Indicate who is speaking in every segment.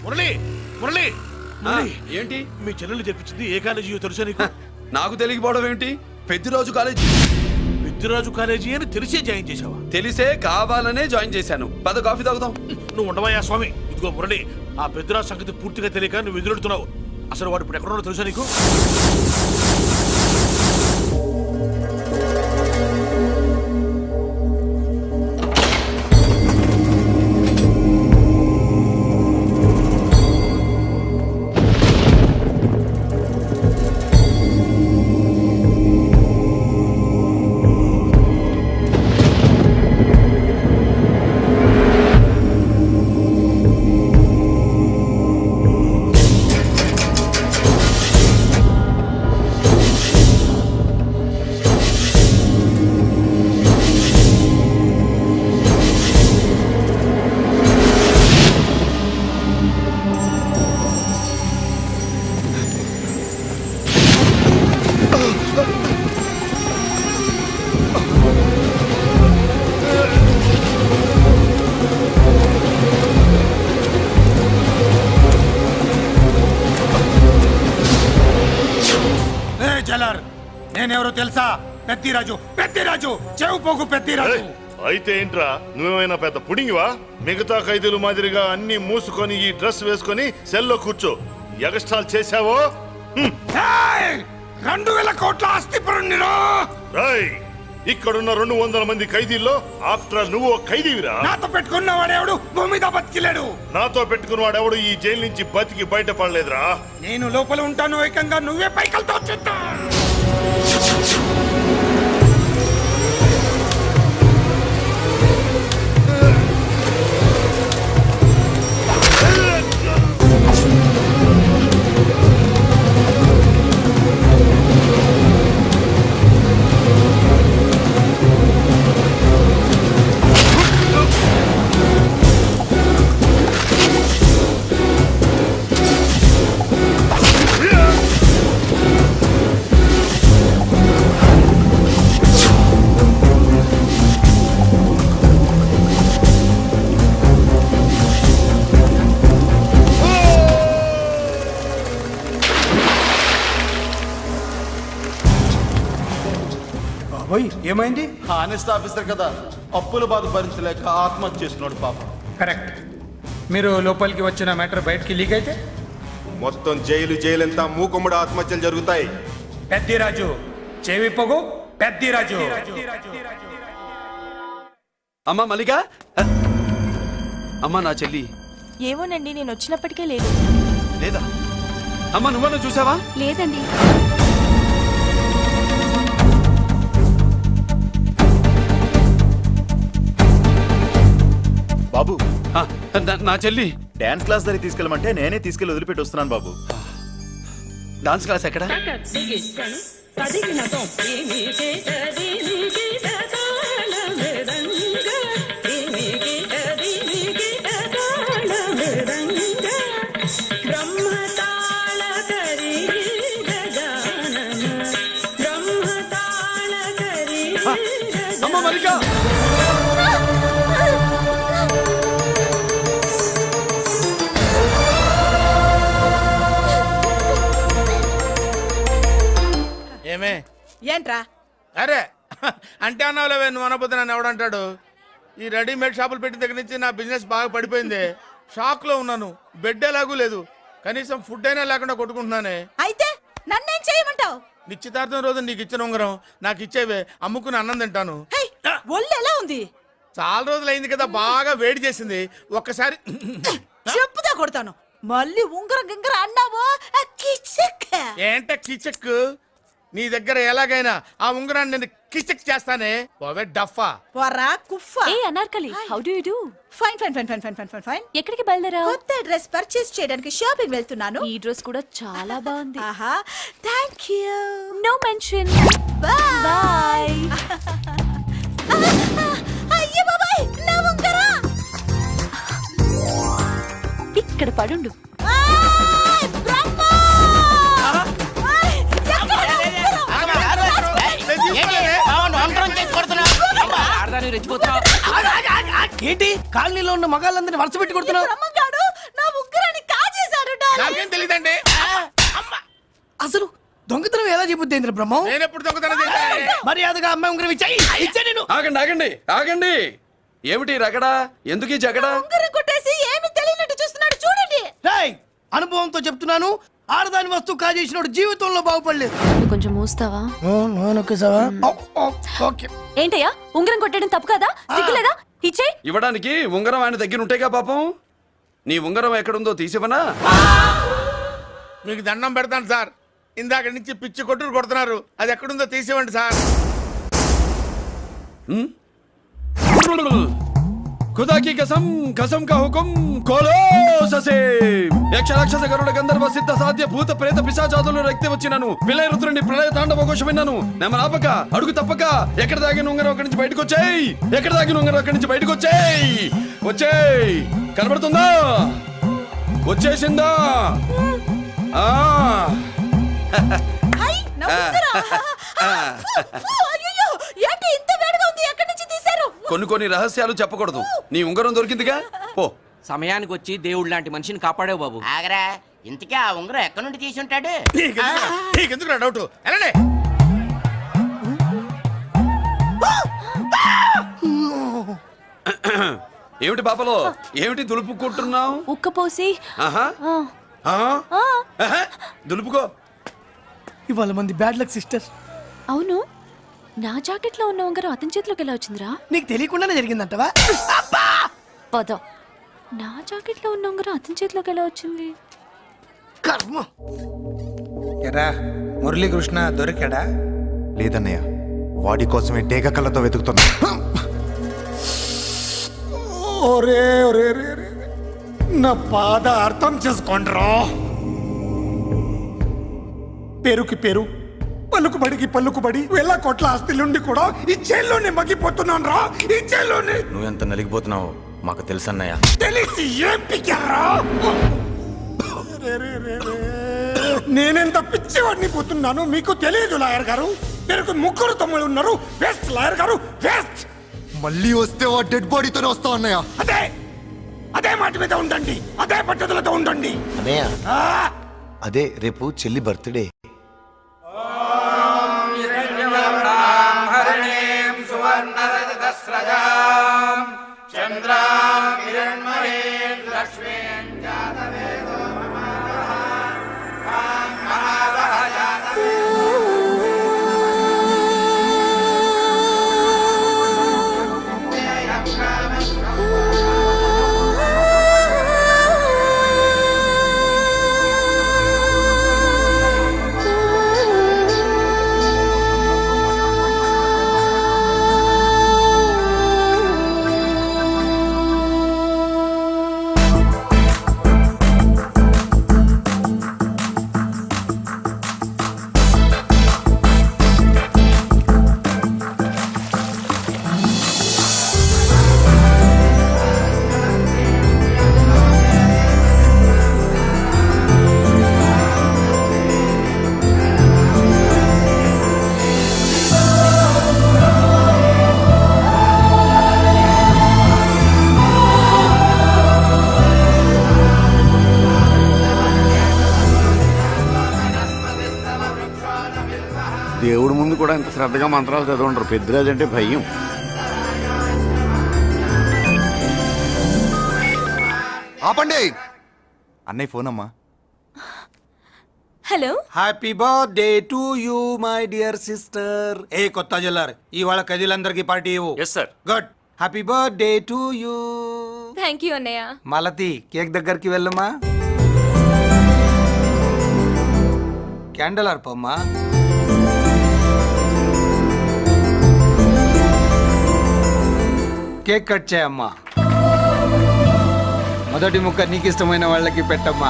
Speaker 1: మురళి మురళి
Speaker 2: ఏంటి
Speaker 1: మీ చెల్లెలు చెప్పించింది ఏ కాలేజీ తెలుసా నీకు?
Speaker 2: నాకు తెలియకపోవడం ఏంటి? పెద్దిరాజు కాలేజీ.
Speaker 1: పెద్దిరాజు కాలేజీ అని తెలిసే జాయిన్ చేసావా?
Speaker 2: తెలిసే కావాలనే జాయిన్ చేశాను. పద కాఫీ తాగుదాం.
Speaker 1: నువ్వు ఉండవయ్యా స్వామి. ఇదిగో మురళి, ఆ పెద్దిరాజు సంగతి పూర్తిగా తెలియక నువ్వు ఎదురెడుతున్నావు. అసలు వాడు ఇప్పుడు ఎక్కడున్నాడో తెలుసా నీకు?
Speaker 3: నేనెవరో తెలుసా? పెద్దిరాజు, పెద్దిరాజు, చెవు పోగు పెద్దిరాజు.
Speaker 4: అయితే ఏంట్రా, నువ్వేమైనా పెద్ద పుడింగివా? మిగతా ఖైదీలు మాదిరిగా అన్ని మూసుకొని ఈ డ్రెస్ వేసుకొని సెల్లో కూర్చో. ఎగస్ట్రాల్ చేశావో
Speaker 3: 2000 కోట్ల ఆస్తిపరుణ్ణిరా.
Speaker 4: ఇక్కడున్న 200 మంది ఖైదీల్లో ఆఫ్టర్ నువ్వు ఖైదీవిరా.
Speaker 3: నాతో పెట్టుకున్నవాడెవడు భూమి మీద బతికిలేడు.
Speaker 4: నాతో పెట్టుకున్నవాడెవడు ఈ జైలు నుంచి బతికి బయటపడలేదురా.
Speaker 3: నేను లోపల ఉంటాను, ఏకంగా నువ్వే పైకలతో చూద్దా. ఏమైంది?
Speaker 5: హానెస్ట్ ఆఫీసర్ కదా, అప్పుల బాధ భరించలేక ఆత్మహత్య చేస్తున్నాడు పాపం.
Speaker 3: కరెక్ట్. మీరు లోపలికి వచ్చిన మ్యాటర్ బయటికి లీక్ అయితే
Speaker 5: మొత్తం జైలంతా మూకుమ్మడి ఆత్మహత్యలు జరుగుతాయి.
Speaker 3: పెద్దిరాజు, చెవి పొగు పెద్దిరాజు.
Speaker 2: అమ్మా మల్లిక, అమ్మా నా చెల్లి.
Speaker 6: ఏమోనండి, నేను వచ్చినప్పటికే లేదు.
Speaker 2: లేదా అమ్మా, నువ్వన్నా చూసావా?
Speaker 6: లేదండి.
Speaker 5: బాబు,
Speaker 2: నా చెల్లి
Speaker 5: డాన్స్ క్లాస్ దగ్గర తీసుకెళ్ళమంటే నేనే తీసుకెళ్ళి వదిలిపెట్టి వస్తున్నాను బాబు.
Speaker 2: డాన్స్ క్లాస్ ఎక్కడ? అమ్మ మల్లిక,
Speaker 1: ఏమే
Speaker 7: ఏంట్రా?
Speaker 1: అరే అంటే అన్నావులేవే, నువ్వు అనబోతే నన్ను ఎవడంటాడు? ఈ రెడీమేడ్ షాపులు పెట్టిన దగ్గర నుంచి నా బిజినెస్ బాగా పడిపోయింది. షాక్ లో ఉన్నాను. బెడ్ ఎలాగూ లేదు, కనీసం ఫుడ్ అయినా లేకుండా కొట్టుకుంటున్నానే.
Speaker 7: అయితే నన్నేం చేయమంటావు?
Speaker 1: నిశ్చితార్థం రోజు నీకు ఇచ్చిన ఉంగరం నాకు ఇచ్చేవే, అమ్ముకుని అన్నం తింటాను.
Speaker 7: ఒళ్ళు ఎలా ఉంది?
Speaker 1: చాలా రోజులు అయింది కదా, బాగా వేడి చేసింది. ఒక్కసారి
Speaker 7: చెప్పుదా కొడతాను. మళ్ళీ ఉంగరం గింగర అన్నావో
Speaker 1: ఏంట కిచక్? నీ దగ్గర ఎలాగైనా ఆ ఉంగరాన్ని నేను కిచక్ చేస్తానే. పోవే డఫా.
Speaker 7: పోరా కుఫా.
Speaker 6: ఏ Anarkali, how do you do?
Speaker 7: Fine fine fine fine fine fine fine fine.
Speaker 6: ఎక్కడికి బయలుదేరావు?
Speaker 7: కొత్త డ్రెస్ పర్చేస్ చేయడానికి షాపింగ్ వెళ్తున్నాను.
Speaker 6: ఈ డ్రెస్ కూడా చాలా బాగుంది.
Speaker 7: ఆహా, thank you.
Speaker 6: No mention.
Speaker 7: Bye
Speaker 6: bye.
Speaker 7: అయ్యో బాబాయ్, నా ఉంగరా
Speaker 6: ఇక్కడ పడుండు.
Speaker 8: ఏంటి కాలనీలో ఉన్న మగాళ్ళందరినీ వరుస పెట్టి కొడుతున్నావు?
Speaker 7: నా ఉంగరాన్ని
Speaker 1: నాకేం తెలియదండి.
Speaker 8: అసలు దొంగతనం ఎలా చెబుద్ది బ్రహ్మం?
Speaker 1: నేను ఎప్పుడు దొంగతనం చేశాను?
Speaker 8: మర్యాదగా అమ్మాయి ఉంగరం ఇచ్చా నేను.
Speaker 2: ఆగండి ఆగండి ఆగండి. ఏమిటి రగడా? ఎందుకు ఈ జగడా?
Speaker 7: ఉంగరం కొట్టేసి ఏమి తెలియనట్టు చూస్తున్నాడు చూడండి.
Speaker 8: రేయ్, అనుభవంతో చెప్తున్నాను, ఆడదాని వస్తువు కాజేసినోడు జీవితంలో బాగుపడలేదు.
Speaker 6: నువ్వు కొంచెం మూస్తావా?
Speaker 8: ఓకే.
Speaker 6: ఏంటయ్యా ఉంగరం కొట్టడం తప్పు కదా? సిగ్గులేదా? ఇచ్చే.
Speaker 2: ఇవ్వడానికి ఉంగరం ఆయన దగ్గర ఉంటేగా పాపం. నీ ఉంగరం ఎక్కడుందో తీసివనా?
Speaker 1: మీకు దండం పెడతాను సార్, ఇందాక నుంచి పిచ్చి కొట్టుడు కొడుతున్నారు, అది ఎక్కడుందో తీసివ్వండి సార్.
Speaker 2: खुदा की कसम कसम का हुकुम खोलो ससे యక్ష రాక్షస గరుడ గంధర్వ సిద్ధ సాధ్య భూత ప్రేత పిశాచాదులు రక్తి వచ్చినాను విలయ రుద్రుని ప్రళయ తాండవ ఘోషం విన్నాను. నెమలాపక అడుగు తప్పక ఎక్కడ దాగిన ఉంగరం అక్కడి నుంచి బయటకు వచ్చేయ్. ఎక్కడ దాగిన ఉంగరం అక్కడి నుంచి బయటకు వచ్చేయ్. వచ్చేయ్. కనబడుతుందా? వచ్చేసిందా? ఆ
Speaker 7: హై, నా ఉంగరం. అయ్యయ్యో, ఏంటి ఇంత వేడిగా ఉంది? ఎక్కడి నుంచి తీశారు?
Speaker 2: కొన్ని రహస్యాలు చెప్పకూడదు. నీ ఉంగరం దొరికిందిగా, ఓ.
Speaker 9: సమయానికి వచ్చి దేవుడు లాంటి మనిషిని కాపాడావు బాబు.
Speaker 10: ఆగరా, ఇంతకీ ఆ ఉంగరం ఎక్కడి నుండి తీసి ఉంటాడు?
Speaker 1: నీకెందుకు డౌట్? వెళ్ళండి.
Speaker 2: ఏమిటి పాపలో, ఏమిటి దులుపుకుంటున్నావు?
Speaker 6: ఉక్కపోసి.
Speaker 2: ఆహా. ఆహా. దులుపుకో.
Speaker 8: ఇవాళ మంది బ్యాడ్ లక్ సిస్టర్.
Speaker 6: అవును, నా జాకెట్ లో ఉన్న ఉంగరం అతని చేతిలోకి ఎలా వచ్చిందిరా?
Speaker 8: నీకు తెలియకుండానే జరిగిందంటవా?
Speaker 6: పద. నా జాకెట్ లో ఉన్న ఉంగరం అతని చేతిలోకి ఎలా వచ్చింది?
Speaker 8: కర్మ.
Speaker 3: ఎరా మురళీకృష్ణ దొరికాడా?
Speaker 11: లేదన్నయ్య, వాడి కోసమే డేగ కళ్ళతో వెతుకుతున్నా.
Speaker 3: ఒరే ఒరే రే రే. నా బాధ అర్థం చేసుకోండిరా. పేరుకి పేరు, పలుకుబడికి పలుకుబడి వేల కోట్ల ఆస్తిలుండి కూడా ఈ జైల్లోనే మగ్గిపోతున్నాను రా. ఈ జైల్లోనే.
Speaker 11: నువ్వెంత నలిగిపోతున్నావో మాకు తెలుసన్నయ్య.
Speaker 3: తెలిసి ఏం పిక్కారా? నేనెంత పిచ్చివాడిని పోతున్నాను మీకు తెలియదు లాయర్ గారు. మీరు ముగ్గురు తమ్ముళ్ళు ఉన్నారు. వేస్ట్ లాయర్ గారు, వేస్ట్.
Speaker 11: మళ్ళీ వస్తే ఆ డెడ్ బాడీతోనే వస్తావు అన్నయ్య.
Speaker 3: అదే అదే మాట మీద ఉండండి, అదే పట్టుదలతో ఉండండి.
Speaker 11: అన్నయ్య,
Speaker 3: ఆ!
Speaker 11: అదే రేపు చెల్లి బర్త్డే.
Speaker 4: దేవుడి ముందు కూడా ఇంత శ్రద్ధగా మంత్రాలు చదవంటారు. పెద్దరాజు అంటే భయం.
Speaker 11: ఆపండి. అన్నయ్య ఫోన్ అమ్మా.
Speaker 6: Hello.
Speaker 3: Happy birthday to you my dear sister. ఏ కొత్త జల్లార్, ఇవాళ కదిలందరికీ పార్టీ ఇవ్వు.
Speaker 2: Yes sir.
Speaker 3: Good. Happy birthday to you.
Speaker 6: Thank you అన్నయ్య.
Speaker 3: మలతి, కేక్ దగ్గరికి వెళ్ళమ్మా. క్యాండల్ ఆర్పమ్మా. కేక్ కట్ చేయమ్మా. మొదటి ముక్క నీకు ఇష్టమైన వాళ్ళకి పెట్టమ్మా.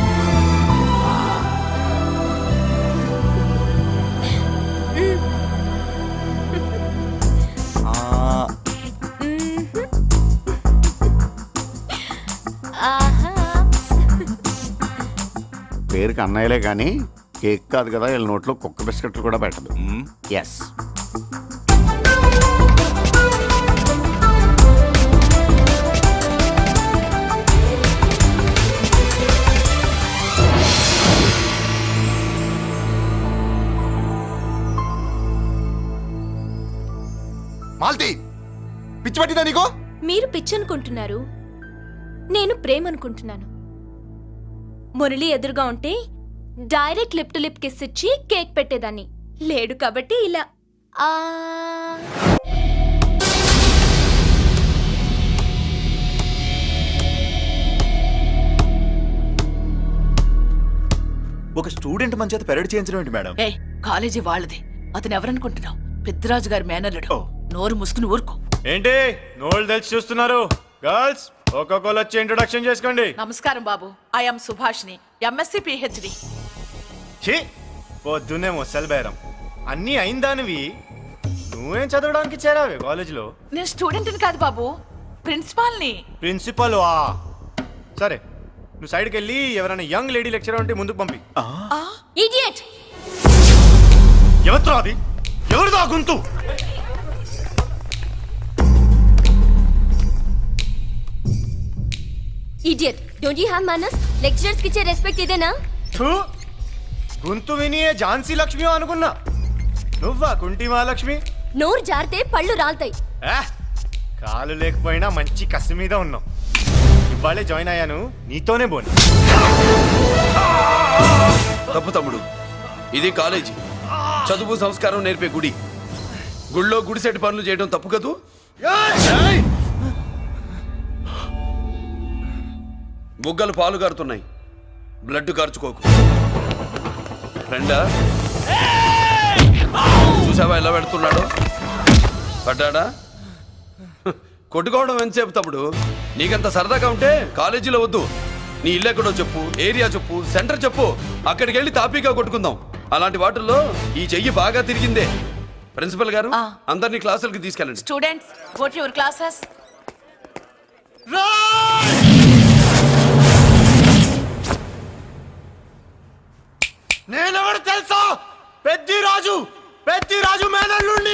Speaker 4: పేరుకి అన్నయ్యలే కానీ కేక్ కాదు కదా, వీళ్ళ నోట్లో కుక్క బిస్కెట్లు కూడా పెట్టదు. ఎస్.
Speaker 11: మాల్తి పిచ్చి పట్టిందా నీకు?
Speaker 6: మీరు పిచ్చి అనుకుంటున్నారు, నేను ప్రేమ అనుకుంటున్నాను. మురళి ఎదురుగా ఉంటే direct lip to lip kiss ఇచ్చి కేక్ పెట్టేదాన్ని. లేడు కాబట్టి ఇలా ఆ
Speaker 11: ఒక స్టూడెంట్ మన చేత పెరడ్ చేయించడం ఏంటి మేడం?
Speaker 7: ఏ కాలేజీ వాళ్ళది, అతను ఎవరనుకుంటున్నావు? పెద్దరాజు గారి మేనల్లుడు. నోరు ముసుకుని ఊరుకో.
Speaker 12: ఏంటి నోళ్ళు తెలిసి చూస్తున్నారు? గర్ల్స్ ఒక్కొక్కరు వచ్చి ఇంట్రొడక్షన్ చేసుకోండి.
Speaker 7: నమస్కారం బాబు, ఐఎమ్ సుభాష్ని, ఎంఎస్సి పిహెచ్డి.
Speaker 12: ఛీ పొద్దున్నే ముసలి బేరం అన్నీ అయిందానివి. నువ్వేం చదవడానికి చేరావే కాలేజీలో?
Speaker 7: నేను స్టూడెంట్ని కాదు బాబు, ప్రిన్సిపాల్ని.
Speaker 12: ప్రిన్సిపల్ సరే, నువ్వు సైడ్కి వెళ్ళి ఎవరైనా యంగ్ లేడీ లెక్చరర్ ఉంటే ముందుకు పంపి.
Speaker 6: ఇడియట్!
Speaker 12: ఎవరితో అది? ఎవరిదో ఆ గొంతు?
Speaker 6: ఇడియట్! డోంట్ యు హావ్ మనస్? లెక్చరర్స్ కి ఇచ్చే రెస్పెక్ట్ ఇదేనా?
Speaker 12: థూ, గొంతు విని ఏ ఝాన్సీ లక్ష్మి అనుకున్నా. నువ్వా కుంటి మహాలక్ష్మి?
Speaker 6: నోరు జారితే పళ్ళు రాల్తాయి.
Speaker 12: కాలు లేకపోయినా మంచి కసి మీద ఉన్నావు. ఇవాళే జాయిన్ అయ్యాను, నీతోనే పోను.
Speaker 2: తప్పు తమ్ముడు, ఇది కాలేజీ, చదువు సంస్కారం నేర్పే గుడి. గుళ్ళో గుడిసెట్టి పనులు చేయడం తప్పు కదూ? బుగ్గలు పాలు కారుతున్నాయి, బ్లడ్ కార్చుకోకు. ఫ్రెండా, చూసావా ఎలా పెడుతున్నాడు? పడ్డాడా? కొట్టుకోవడం ఎంతసేపు తమ్ముడు? నీకంత సరదాగా ఉంటే కాలేజీలో వద్దు. నీ ఇల్లు ఎక్కడో చెప్పు, ఏరియా చెప్పు, సెంటర్ చెప్పు, అక్కడికి వెళ్ళి తాపీగా కొట్టుకుందాం. అలాంటి వాటిల్లో ఈ చెయ్యి బాగా తిరిగిందే. ప్రిన్సిపల్ గారు, అందరినీ క్లాసులకి తీసుకెళ్ళండి.
Speaker 7: Students, go to your classes.
Speaker 12: నేనెవరు తెలుసా? పెద్దిరాజు, పెద్దిరాజు మేనల్లుండి.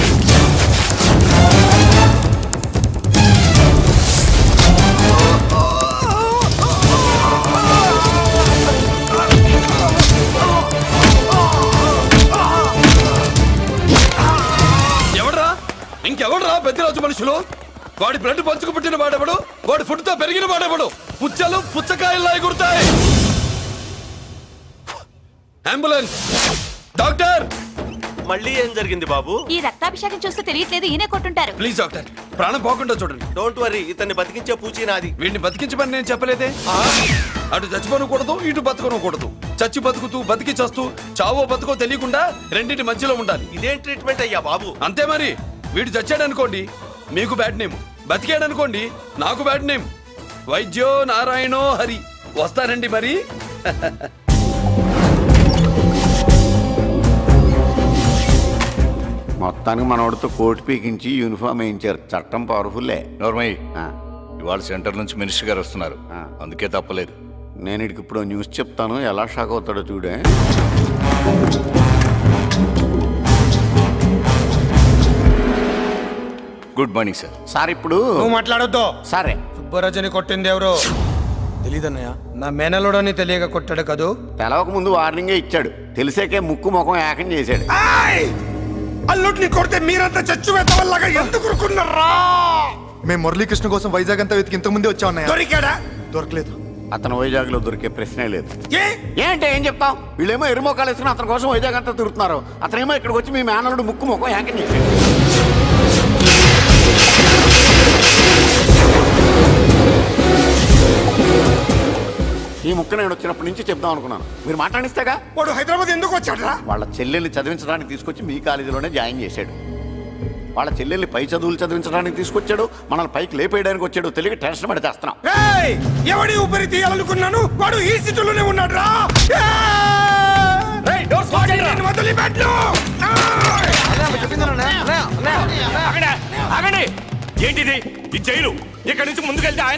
Speaker 2: ఎవడ్రా? ఇంకెవడ్రా పెద్దిరాజు మనుషులు? వాడి బ్లడ్ పంచుకు పుట్టిన వాడెవడు? వాడి ఫుడ్ తో పెరిగిన వాడెవడు? పుచ్చలు పుచ్చకాయల్లా ఎగురుతాయి. అంబులెన్స్! డాక్టర్!
Speaker 12: మళ్ళీ ఏం జరిగింది బాబు?
Speaker 6: ఈ రక్తాభిషేకం చూస్తే తెలియట్లేదు, ఈయనే కొట్టుంటారు.
Speaker 2: ప్లీజ్ డాక్టర్, ప్రాణం పోకుండా చూడండి.
Speaker 12: డోంట్ వరీ, ఇతన్ని బతికించే పూచి నాది.
Speaker 2: వీడిని బతికించమని నేను చెప్పలేదే. అటు చచ్చిపోనకూడదు, ఇటు బతకనకూడదు. చచ్చి బతుకుతూ, బతికి చస్తూ, చావో బతుకో తెలియకుండా రెండింటి మధ్యలో ఉండాలి.
Speaker 12: ఇదేం ట్రీట్మెంట్ అయ్యా బాబు?
Speaker 2: అంతే మరి. వీడు చచ్చాడనుకోండి మీకు బ్యాడ్ నేమ్, బతికాడనుకోండి నాకు బ్యాడ్ నేమ్. వైద్యో నారాయణో హరి. వస్తానండి మరి.
Speaker 13: మొత్తానికి మనోడితో కోట్ పీకించి యూనిఫామ్ వేయించారు. చట్టం పవర్ఫుల్లే.
Speaker 4: నోర్మయ్య, ఇవాళ సెంటర్ నుంచి మినిస్టర్ గారు వస్తున్నారు, అందుకే తప్పలేదు.
Speaker 13: నేను ఇడికి ఇప్పుడు న్యూస్ చెప్తాను, ఎలా షాక్ అవుతాడో చూడే.
Speaker 4: Good morning sir.
Speaker 13: సార్ ఇప్పుడు
Speaker 3: నువ్వు మాట్లాడొద్దు.
Speaker 13: సరే,
Speaker 3: సుబ్బరాజుని కొట్టింది ఎవరు? తెలీదన్నయ్య, నా మేనలోడని తెలియక కొట్టాడు కదూ.
Speaker 13: తెలవక ముందు వార్నింగే ఇచ్చాడు, తెలిసాకే ముక్కు ముఖం ఏకం చేశాడు.
Speaker 3: అల్లుడిని కొడితే మీరంతా చచ్చు వెతవల్లాగా ఎందుకు ఊరుకున్నారా?
Speaker 11: మేము మురళీకృష్ణ కోసం వైజాగ్ అంతా వెతికి ఇంతకు ముందే వచ్చా ఉన్నాయా?
Speaker 3: దొరికాడా?
Speaker 11: దొరకలేదు.
Speaker 13: అతను వైజాగ్ లో దొరికే ప్రశ్నే లేదు.
Speaker 3: ఏ?
Speaker 13: ఏంటి ఏం చెప్తాం? వీళ్ళేమో ఎరుమోకాలు వేసుకుని అతని కోసం వైజాగ్ అంతా తిరుగుతున్నారు. అతనేమో ఇక్కడికి వచ్చి మీ మేనలుడు ముక్కు ముఖం ఏకం చేశాడు. ఈ ముక్క నేను వచ్చినప్పటి నుంచి చెప్దాం అనుకున్నాను, మీరు మాట్లాడిస్తేగా.
Speaker 3: వాడు హైదరాబాద్ ఎందుకు వచ్చాడరా?
Speaker 13: వాళ్ళ చెల్లెల్ని చదివించడానికి తీసుకొచ్చి మీ కాలేజీలోనే జాయిన్ చేశాడు. వాళ్ళ చెల్లెల్ని పై చదువులు చదివించడానికి తీసుకొచ్చాడు, మనల్ని పైకి లేపేయడానికి వచ్చాడు. తెలియక టెన్షన్ పడి చేస్తున్నాం.
Speaker 3: ఎవడి ఊపిరి తీయాలనుకున్నాను, వాడు ఈ సిటీలోనే ఉన్నాడు రా.
Speaker 12: ఏంటిది ఈ జైలు? ఇక్కడి నుంచి ముందుకెళ్తే